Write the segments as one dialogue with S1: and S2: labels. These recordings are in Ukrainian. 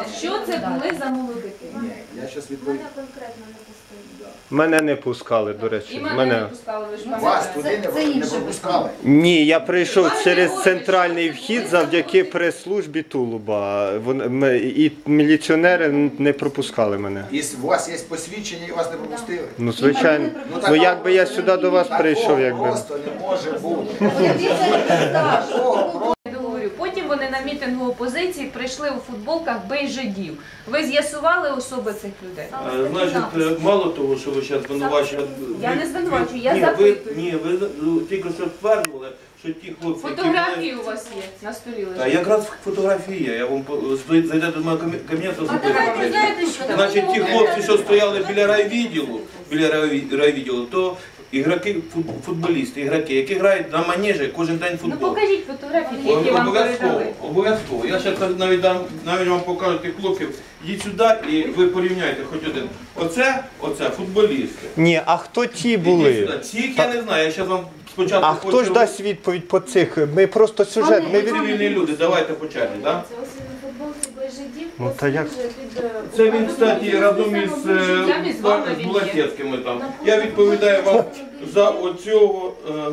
S1: що це були за молодики?
S2: Ні, я зараз відповім.
S3: Мене конкретно не пустили.
S4: Мене не пускали, до
S1: І
S4: речі.
S1: мене не пускали, ви ж
S2: Вас
S1: пам'ятаєте.
S2: туди не пропускали.
S4: Ні, я прийшов через центральний вхід завдяки прес-службі Тулуба. І міліціонери не пропускали мене.
S2: І у вас є посвідчення і вас не пропустили?
S4: Ну, звичайно. Ну, якби я сюди до вас прийшов, якби.
S2: Просто не може бути.
S1: Потім вони на мітингу опозиції прийшли у футболках «Бей жидів». Ви з'ясували особи цих людей?
S5: Значить, мало того, що ви зараз звинувачуєте...
S1: Я не звинувачую, я запитую.
S5: Ні, ви тільки що стверджували, що ті хлопці...
S1: Фотографії у вас є на столі
S5: А
S1: лежать.
S5: якраз фотографія, я вам зайдете до мого кабінету,
S1: А давайте, знаєте що?
S5: значить, ті хлопці, що стояли біля райвідділу, то ігроки, футболісти, ігроки, які грають на манежі кожен день
S1: Ну
S5: футбол.
S1: покажіть фотографії, які вам передали.
S5: Обов'язково. Я зараз навіть вам покажу тих хлопців. Йдіть сюди і ви порівняйте хоч один. Оце футболісти.
S4: Ні, а хто ті
S5: Ідіть
S4: були?
S5: сюди. Цих я не знаю, я зараз вам спочатку
S4: А хто ж дасть відповідь по цих? Ми просто сюжет. Ми від...
S5: Цивільні люди, давайте по черзі, так?
S3: Це ось він у футболці «Бей жидів».
S4: Ну, та як?
S5: Це він, кстати, разом із Булатецькими там. Я відповідаю вам за оцього...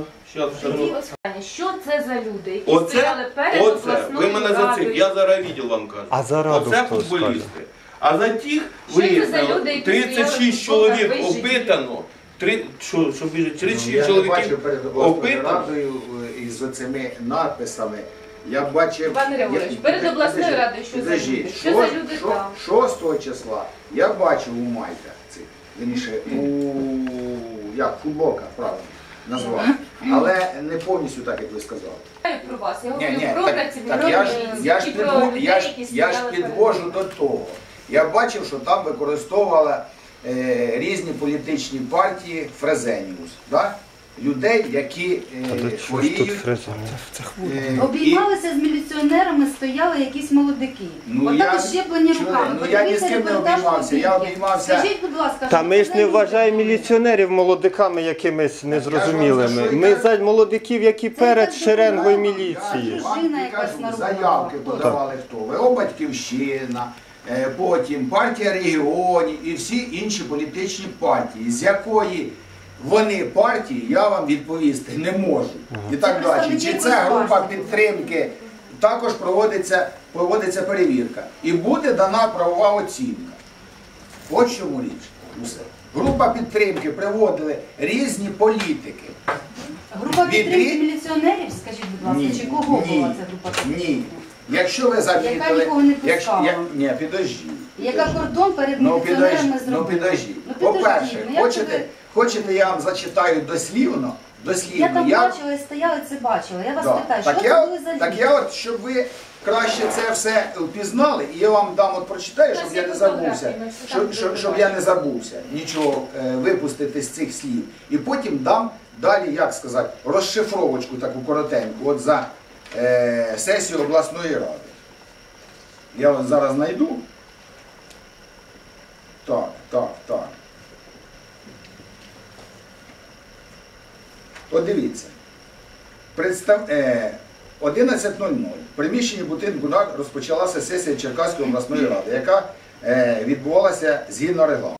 S1: Що це за люди, які стояли перед
S5: ви
S1: обласною
S5: мене за цих,
S1: радою?
S5: я за райвідділ вам кажу.
S4: А за раду
S5: Оце
S4: хто
S5: футболісти. А за тих
S1: Що це за
S5: виявлено,
S1: люди, які стояли
S5: 36
S1: в
S5: чоловік
S1: футболках «Бей жидів»?
S5: опитано. Що біже, 36
S2: Я не
S5: чоловіків
S2: бачив перед обласною
S5: опитано.
S2: радою із оцими надписами. Я бачив...
S1: Пане Григорович, перед обласною радою що за люди? Що за люди там?
S2: 6 числа я бачив у майках цих, вірніше, як футболка, правильно назвав. Але не повністю так, як ви сказали.
S1: Я про вас, я говорю
S2: Ні,
S1: про
S2: так
S1: працівників
S2: я ж
S1: і про людей, які
S2: я ж
S1: стояли
S2: підвожу до того. Я бачив, що там використовували різні політичні партії Фрезеніус. Да? Людей, які хворіють.
S6: Обіймалися з міліціонерами, стояли якісь молодики. Отак щеплені руками.
S2: Ну я ні з ким не обіймався, я обіймався.
S6: Скажіть, будь ласка,
S4: Та ми ж не вважаємо міліціонерів молодиками якимись незрозумілими. Ми за молодиків, які перед шеренгою міліції.
S6: Дружина якась народна.
S2: Заявки подавали хто? ВО «Батьківщина», потім партія регіонів і всі інші політичні партії, з якої вони партії, я вам відповісти не можу. І так далі. Чи це група підтримки, також проводиться перевірка. І буде дана правова оцінка. От в чому річ. Усе. Група підтримки приводили різні політики.
S6: Група підтримки міліціонерів, скажіть, будь ласка, чи кого була ця група підтримки?
S2: Ні. Якщо ви замітили...
S6: Яка нікого не пускала?
S2: Ні, підожди.
S6: Яка кордон перед міліціонерами зробила?
S2: Ну підожди. По-перше, хочете я вам зачитаю дослівно?
S6: Я там бачила і стояла, це бачила. Я вас питаю, що це були за люди?
S2: Так я от, щоб ви краще це все впізнали, і я вам дам от прочитаю, щоб я не забувся, щоб я не забувся нічого випустити з цих слів. І потім дам далі, як сказати, розшифровочку таку коротеньку, от за сесію обласної ради. Я от зараз знайду. Так. От дивіться. 11:00. В приміщенні будинку розпочалася сесія Черкаської обласної ради, яка відбувалася згідно регламенту.